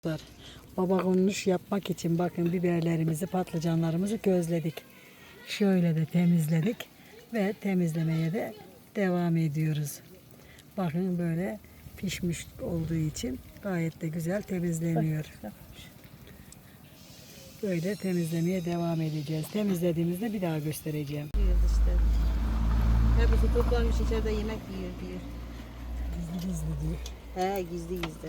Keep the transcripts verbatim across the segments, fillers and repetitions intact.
Baba konuş yapmak için bakın biberlerimizi, patlıcanlarımızı közledik. Şöyle de temizledik ve temizlemeye de devam ediyoruz. Bakın böyle pişmiş olduğu için gayet de güzel temizleniyor. Böyle temizlemeye devam edeceğiz. Temizlediğimizde bir daha göstereceğim. Yiyoruz işte. Hepsi toplanmış içeride yemek yiyor diyor. Gizli gizli diyor. He gizli gizli.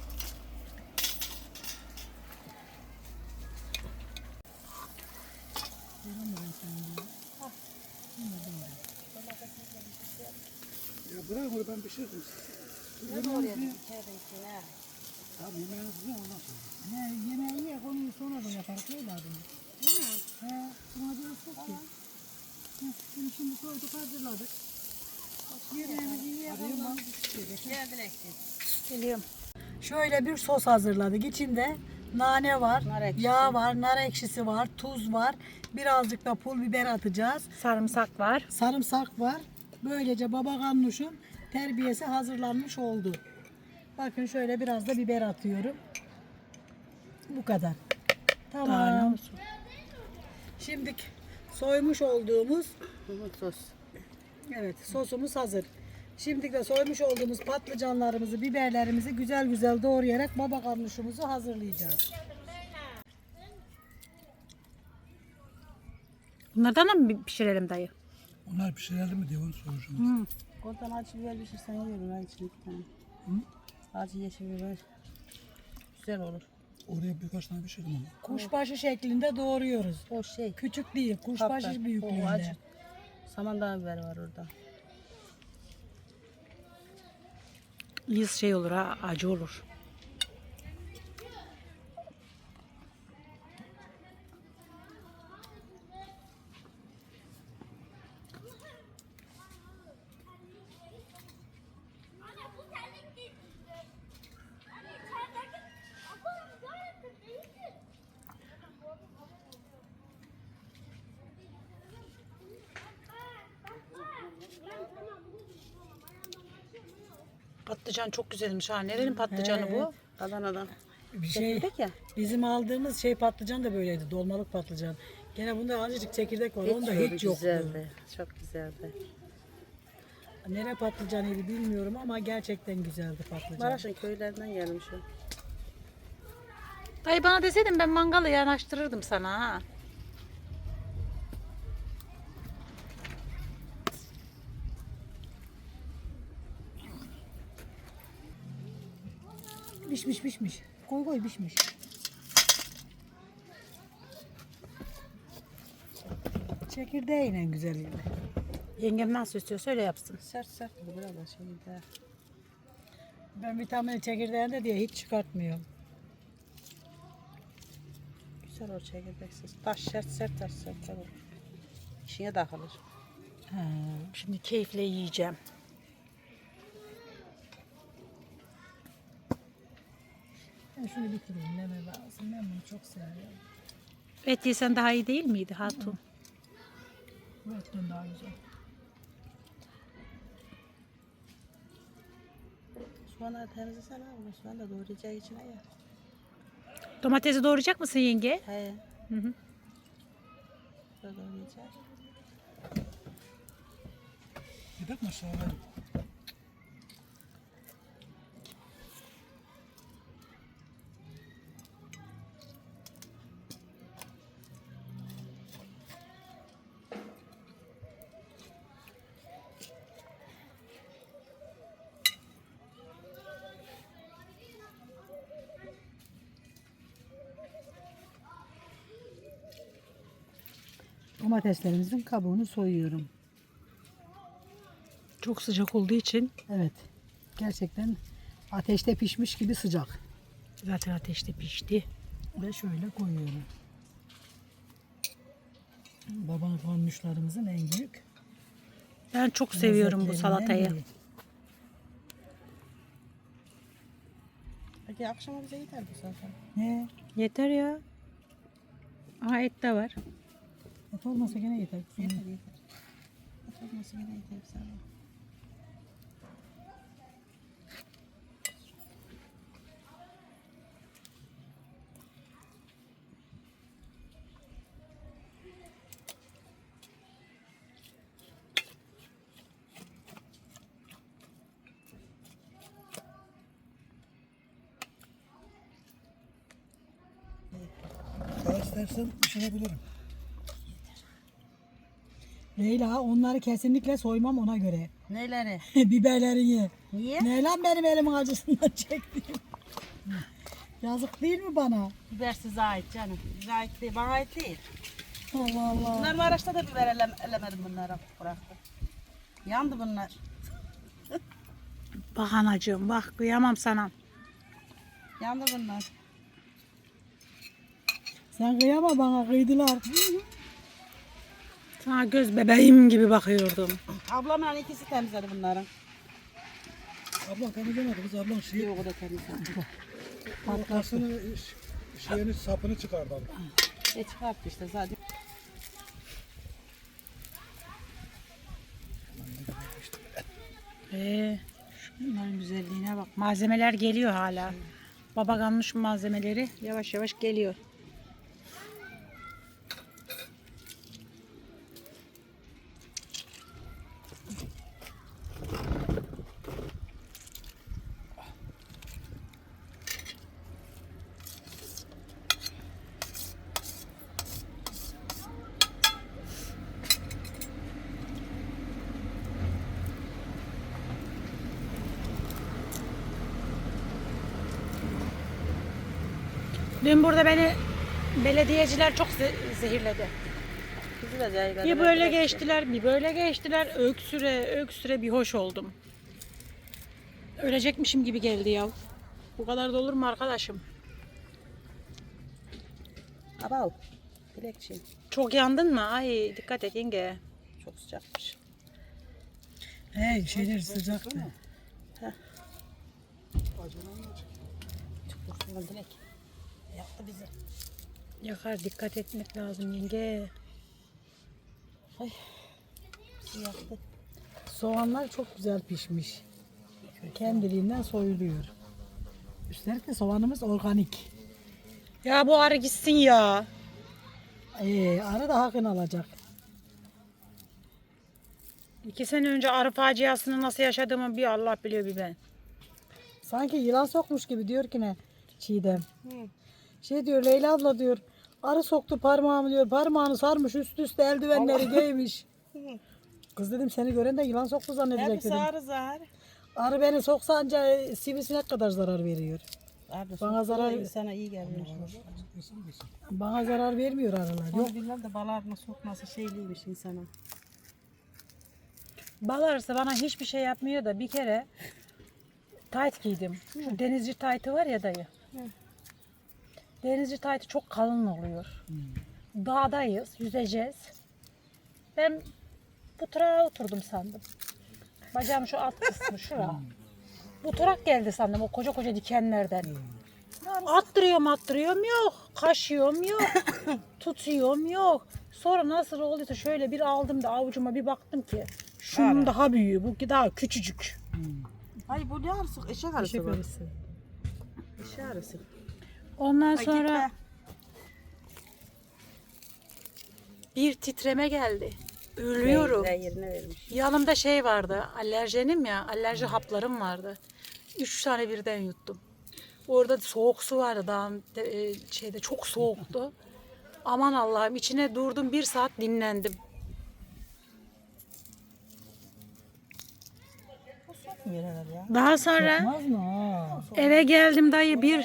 Ya bırak onu ben pişiririm. Ne oraya içeride içine? Abi yemeğinizi yiyin ondan sonra. He, yemeği ye, onu sonra da yaparız. Öyle adını. He, buna gerek yok ki. He, Şimdi, şimdi koyduk, hazırladık. Yemeğimizi yiyelim. Geldin eksin. Geliyorum. Şöyle bir sos hazırladık. İçinde nane var, Nar ekşisi. yağ var, nar ekşisi var, tuz var. Birazcık da pul biber atacağız. Sarımsak var. Sarımsak var. Böylece baba ganuşun terbiyesi hazırlanmış oldu. Bakın şöyle biraz da biber atıyorum. Bu kadar. Tamam. Şimdi soymuş olduğumuz Sos. evet sosumuz hazır. Şimdi de soymuş olduğumuz patlıcanlarımızı, biberlerimizi güzel güzel doğrayarak baba ganuşumuzu hazırlayacağız. Bunlardan da mı pişirelim dayı? Onlar pişirelim mi diye onu soracağım. Oradan acı biber pişirsen yiyorum ha içine bir tane. Acı yeşil biber. Güzel olur. Oraya birkaç tane pişirdim onu. Kuşbaşı şeklinde doğruyoruz. O şey. Küçük değil, kuşbaşı Kaptan. O büyüklüğünde. acı. Samandağ biber var orada. İyi şey olur ha, acı olur. Patlıcan çok güzelmiş ha. Nerenin patlıcanı bu? Adana'dan. Bir şey, Çekirdek ya. bizim aldığımız şey patlıcan da böyleydi. Dolmalık patlıcan. Gene bunda azıcık çekirdek var. Onda hiç yoktu. güzeldi. Çok güzeldi. Nere patlıcanıydı bilmiyorum ama gerçekten güzeldi patlıcan. Maraş'ın köylerinden gelmiş o. Dayı bana deseydin ben mangalı yanaştırırdım sana ha. Pişmiş pişmiş. Koy koy pişmiş. Çekirdeğiyle güzel. Yengem nasıl istiyorsa öyle yapsın. Sert sert bu biraz da şeyde. Ben vitamini çekirdeğinde diye hiç çıkartmıyorum. Güzel o çekirdeksiz. Taş sert sert taş sert olur. İçine takılır. Ha. Şimdi keyifle yiyeceğim. Ben şunu bitireyim. Meme lazım. Ben bunu çok seviyorum. Et yesen daha iyi değil miydi hatun? Bu etten daha güzel. Soğanları temizlesene abi. Soğan da doğrayacağı içine ya. Domatesi doğrayacak mısın yenge? He. Hı hı. Böyle doğrayacak. Gidelim mi aşağıya? Domateslerimizin kabuğunu soyuyorum. Çok sıcak olduğu için Evet. Gerçekten ateşte pişmiş gibi sıcak. zaten ateşte pişti. Ve şöyle koyuyorum. Baba konmuşlarımızın en büyük. Ben çok seviyorum bu lezzetlerinden salatayı. biri. Peki akşama bize yeter bu zaten. Ne? Yeter ya. Aha et de var. Et olmasa gene yeter. Yeter yeter. Oturması yine yeter sana. İstersen pişirebilirim. Leyla onları kesinlikle soymam ona göre. Neleri? Biberlerini. Niye? Ne lan benim elimin acısından çektiğim. Yazık değil mi bana? Biber size ait canım. Bize ait değil, bana ait değil. Allah Allah. Bunlar Maraş'ta da biber elem, elemedim bunları. Bıraktım. Yandı bunlar. Bak anacığım bak kıyamam sana. Yandı bunlar. Sen kıyama bana kıydılar. Sana göz bebeğim gibi bakıyordum. Ablamla ikisi temizledi bunları. Ablam temizlemedi kız, ablam şey, Yok o da temizledi. ortasını, şeyini, sapını çıkardı ablam. E çıkarttı işte zaten. Ee, şunların güzelliğine bak. Malzemeler geliyor hala. Baba ganmış malzemeleri yavaş yavaş geliyor. Dün burada beni belediyeciler çok ze- zehirledi. Bizi de zehirledi. Bir böyle geçtiler, bir böyle geçtiler. Öksüre, öksüre bir hoş oldum. Ölecekmişim gibi geldi ya. Bu kadar da olur mu arkadaşım? Abav. Dilekçi. Çok yandın mı? Ay dikkat et yenge. Çok sıcakmış. Hey şeyler sıcaktı. Çok kurtulan Dilek. Yaktı bizi. Yakar dikkat etmek lazım yenge. Bizi yaktı. Soğanlar çok güzel pişmiş. Kendiliğinden soyuluyor. Üstelik de soğanımız organik. Ya bu arı gitsin ya. Ee, arı da hakkını alacak. İki sene önce arı faciasını nasıl yaşadığımı bir Allah biliyor bir ben. Sanki yılan sokmuş gibi diyor ki ne Çiğdem. Şey diyor Leyla abla diyor. Arı soktu parmağımı diyor. Parmağını sarmış üst üste eldivenleri giymiş. Kız dedim seni gören de yılan soktu zannedecek Hepsi dedim. ağrı zar. Arı beni soksa anca sivrisinek kadar zarar veriyor. Ağrı Bana zarar- insana iyi geliyor. Bana zarar vermiyor arılar. Yok. Yok bilmem de bal arına sokması şeyliymiş insana. Bal arısı bana hiçbir şey yapmıyor da bir kere tayt giydim. Şu denizci taytı var ya dayı. Denizci taytı çok kalın oluyor. Dağdayız, yüzeceğiz. Ben bu tarağa oturdum sandım. Bacağım şu alt kısmı şura. Bu tarak geldi sandım o koca koca dikenlerden. Attırıyorum attırıyorum yok. Kaşıyorum yok. Tutuyorum yok. Sonra nasıl olduysa şöyle bir aldım da avucuma bir baktım ki şunun daha büyüğü bu daha küçücük. Ay bu ne arısı? Eşek arısı Eşek bu. arısı. Eşek arısı. Ondan Ay sonra gitme. bir titreme geldi. Ölüyorum. Zehir yerine vermiş. Yanımda şey vardı, alerjenim ya, alerji haplarım vardı. Üç tane birden yuttum. Orada soğuk su vardı dağın e, şeyde çok soğuktu. Aman Allah'ım içine durdum bir saat dinlendim. Sokmuyor herhalde ya. Daha sonra Olmaz mı? Ha. eve geldim dayı bir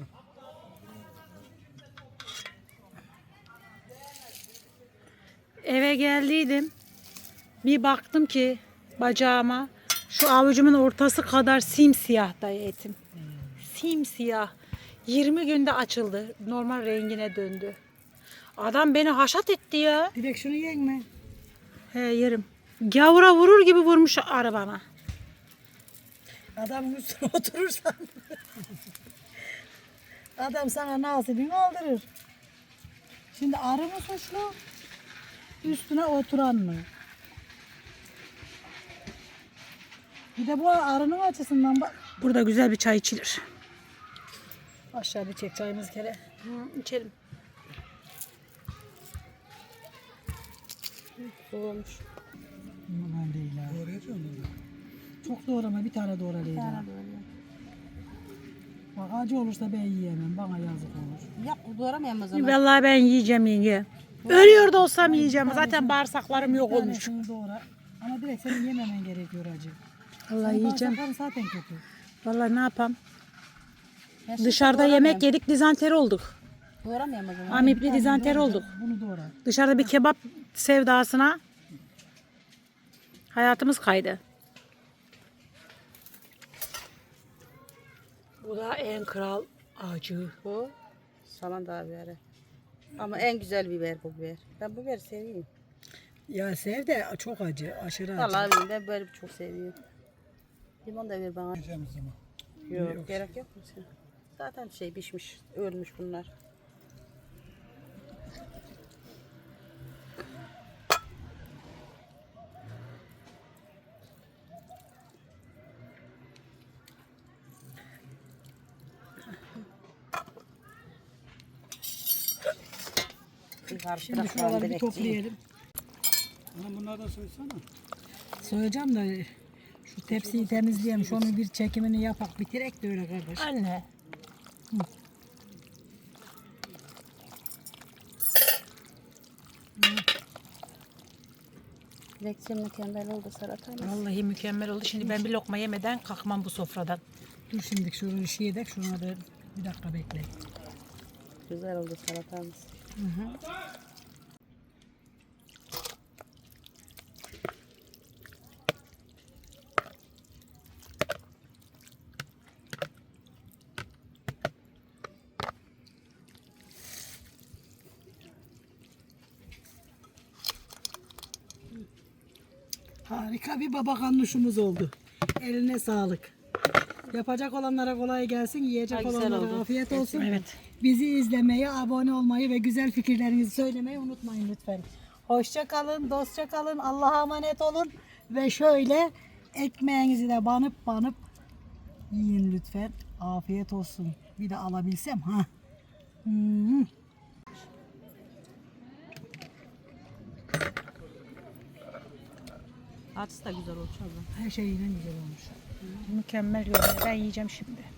eve geldiydim. Bir baktım ki bacağıma şu avucumun ortası kadar simsiyah dayı etim. Simsiyah. yirmi günde açıldı. Normal rengine döndü. Adam beni haşat etti ya. Bir de şunu yiyin mi? He yerim. Gavura vurur gibi vurmuş arı bana. Adamın üstüne oturursan adam sana nasibini aldırır. Şimdi arı mı suçlu? Üstüne oturan mı? Bir de bu arının açısından bak. Burada güzel bir çay içilir. Aşağı bir çek çayımız kere. Hı, içelim. Soğumuş. Aman değil ha. Doğrayacağım onu. Çok doğrama bir tane doğra Leyla. Sana böyle. Bak acı olursa ben yiyemem. Bana yazık olur. Yap doğramayalım o zaman. Vallahi ben yiyeceğim yenge. Ölüyor da olsam yiyeceğim. Zaten bağırsaklarım yok olmuş. Tanesini doğra. Ama direkt senin yememen gerekiyor acı. Vallahi Senin yiyeceğim. bağırsakların zaten kötü. Vallahi ne yapam? Ben şimdi Dışarıda doğramayayım. yemek yedik, dizanteri olduk. Doğramayalım o zaman. Amipli dizanteri olduk. Bunu doğra. Dışarıda bir kebap sevdasına hayatımız kaydı. Bu da en kral acı. Bu salanda biberi. Ama en güzel biber bu biber. Ben bu biberi seviyorum. Ya sev de çok acı. Aşırı acı. Vallahi bilmiyorum, ben böyle çok seviyorum. Limon da ver bana. Yiyeceğimiz zaman. Yok, gerek yok mu sen? Zaten şey pişmiş, ölmüş bunlar. Bir karıştırak Şimdi şuraları bir direkt toplayalım. Ana bunlardan söylesene. Söyleyeceğim de şu tepsiyi temizleyelim. Şunun bir çekimini yapak bitirek de öyle kardeş. Anne. Direksiyon mükemmel oldu salatamız. Vallahi mükemmel oldu. Şimdi ben bir lokma yemeden kalkmam bu sofradan. Dur şimdi şunu şey edek. Şuna da bir dakika bekle. Güzel oldu salatamız. Harika bir baba ganuşumuz oldu. Eline sağlık. Yapacak olanlara kolay gelsin. Yiyecek Ha, güzel olanlara oldu. afiyet olsun. Evet. Bizi izlemeyi, abone olmayı ve güzel fikirlerinizi söylemeyi unutmayın lütfen. Hoşça kalın, dostça kalın. Allah'a emanet olun. Ve şöyle ekmeğinizi de banıp banıp yiyin lütfen. Afiyet olsun. Bir de alabilsem ha. Hmm. Açısı da güzel olmuş abla. Her şey yine güzel olmuş. Mükemmel görünüyor. Ben yiyeceğim şimdi.